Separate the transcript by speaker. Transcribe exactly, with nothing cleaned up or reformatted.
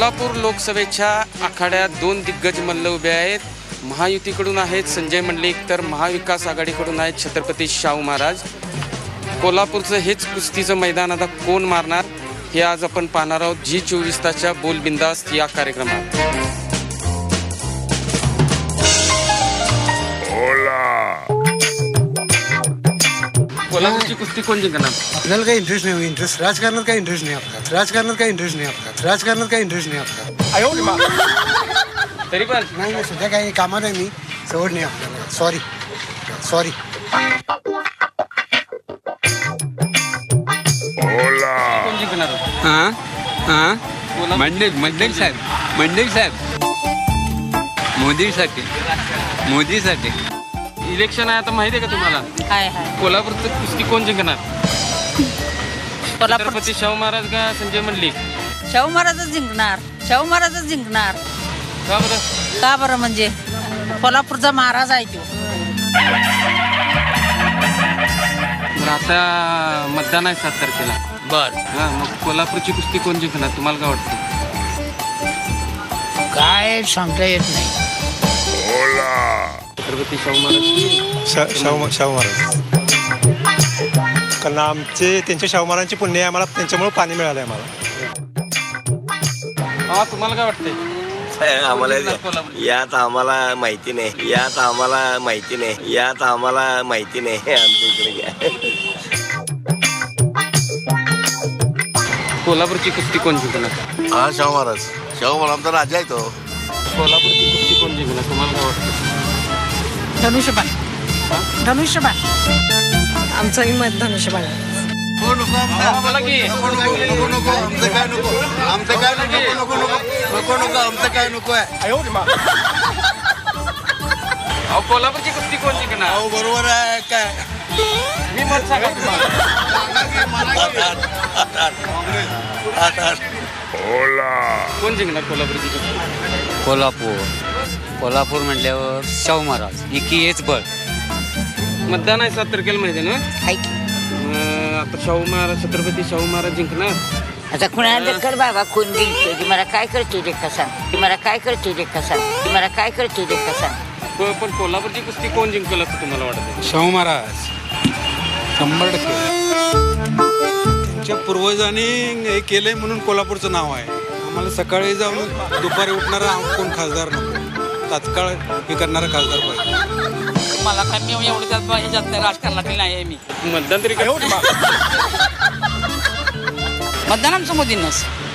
Speaker 1: कोल्हापूर लोकसभेच्या आखाड्यात दोन दिग्गज मल्ल उभे आहेत. महायुतीकडून आहेत संजय मंडलिक, तर महाविकास आघाडीकडून आहेत छत्रपती शाहू महाराज. कोल्हापूरचं हेच कुस्तीचं मैदान आता कोण मारणार हे आज आपण पाहणार आहोत जी चोवीस तासच्या बोल बिंदास्त या कार्यक्रमात. कोल्हापूरची कुस्ती कोण जिंकणार?
Speaker 2: आपल्याला काही इंटरेस्ट नाही. इंटरेस्ट राजकारणात काही इंटरेस्ट नाही आपला. राजकारणात काही इंटरेस्ट नाही आपला. राजकारणात काही इंटरेस्ट नाही आपला.
Speaker 1: तरी पण
Speaker 2: नाही नाही सध्या काही कामात आहे मी. सवड नाही आपल्याला. Sorry sorry.
Speaker 1: कोण जिंकणार?
Speaker 3: हां हां मंडलिक मंडलिक साहेब मंडलिक साहेब मोदीसाठी मोदीसाठी
Speaker 1: इलेक्शन आहे आता माहिती आहे का तुम्हाला?
Speaker 4: हाय हाय
Speaker 1: कोल्हापूरचं कुस्ती कोण जिंकणार?
Speaker 4: कोल्हापूर
Speaker 1: छत्रपती शाहू महाराज का संजय मंडलिक?
Speaker 4: शाहू महाराजच जिंकणार. शाहू महाराजच जिंकणार.
Speaker 1: का बरं?
Speaker 4: का बरं म्हणजे कोल्हापूरचा महाराज आहे तो.
Speaker 1: तर आता मतदान आहे सात तारखेला.
Speaker 3: बर
Speaker 1: हा मग कोल्हापूरची कुस्ती कोण जिंकणार तुम्हाला काय वाटतं?
Speaker 4: काय सांगता येत नाही.
Speaker 1: छत्रपती शाहू महाराज
Speaker 5: शा शाहू शाहू महाराज. कारण आमचे त्यांच्या शाहू महाराजांची पुण्य आहे आम्हाला, त्यांच्यामुळे पाणी मिळालं आहे आम्हाला.
Speaker 1: हा तुम्हाला काय वाटतंय?
Speaker 6: आम्हाला
Speaker 1: कोल्हापूर
Speaker 6: यात आम्हाला माहिती नाही. यात आम्हाला माहिती नाही. यात आम्हाला माहिती नाही. आमच्या इकडे घ्या.
Speaker 1: कोल्हापूरची कुस्ती कोण जिंकणार?
Speaker 6: हा शाहू महाराज. शाहू महाराज आमचा राजा आहे तो.
Speaker 1: कोल्हापूरची कुस्ती कोण जिंकणार तुम्हाला काय वाटतं?
Speaker 4: धनुष्यबाण धनुष्यबाण
Speaker 7: आमचंही मत धनुष्यबाण.
Speaker 1: बोला की
Speaker 6: नको नको आमचं काय नको. आमचं काय नको नको नको नको नको आमचं काय नको आहे.
Speaker 1: अहो कोल्हापूरची कुस्ती कोण जिंकणार?
Speaker 6: हो बरोबर आहे काय.
Speaker 1: मी मत सांगा कोण जिंकणार कोल्हापूरची कुस्ती?
Speaker 3: कोल्हापूर कोल्हापूर म्हटल्यावर शाहू महाराज इकी हेच बळ.
Speaker 1: मतदान आहे सात तारखेला माहिती आहे ना?
Speaker 4: हाय की.
Speaker 1: अं, आता शाहू महाराज छत्रपती शाहू महाराज जिंकणार.
Speaker 4: आता कुणाला कर बाबा कोण जिंकतो ती मला काय करतो ते कसा ती मला काय करतो ते कसा ती मला काय करतो ते कसा.
Speaker 1: प- पण कोल्हापूरची कुस्ती कोण जिंकल असं तुम्हाला वाटतं?
Speaker 8: शाहू महाराज शंभर टक्के. त्यांच्या पूर्वजांनी हे केलंय म्हणून कोल्हापूरचं नाव आहे. आम्हाला सकाळी जाऊन दुपारी उठणारा कोण खासदार नको. तात्काळ हे करणारा खासदार पाहिजे.
Speaker 7: मला काय मी एवढं त्यात ह्याच्यात नाही, राजकारणातील नाही आहे मी.
Speaker 1: मतदान तरी काय?
Speaker 7: मतदान आमचं मोदींनाच.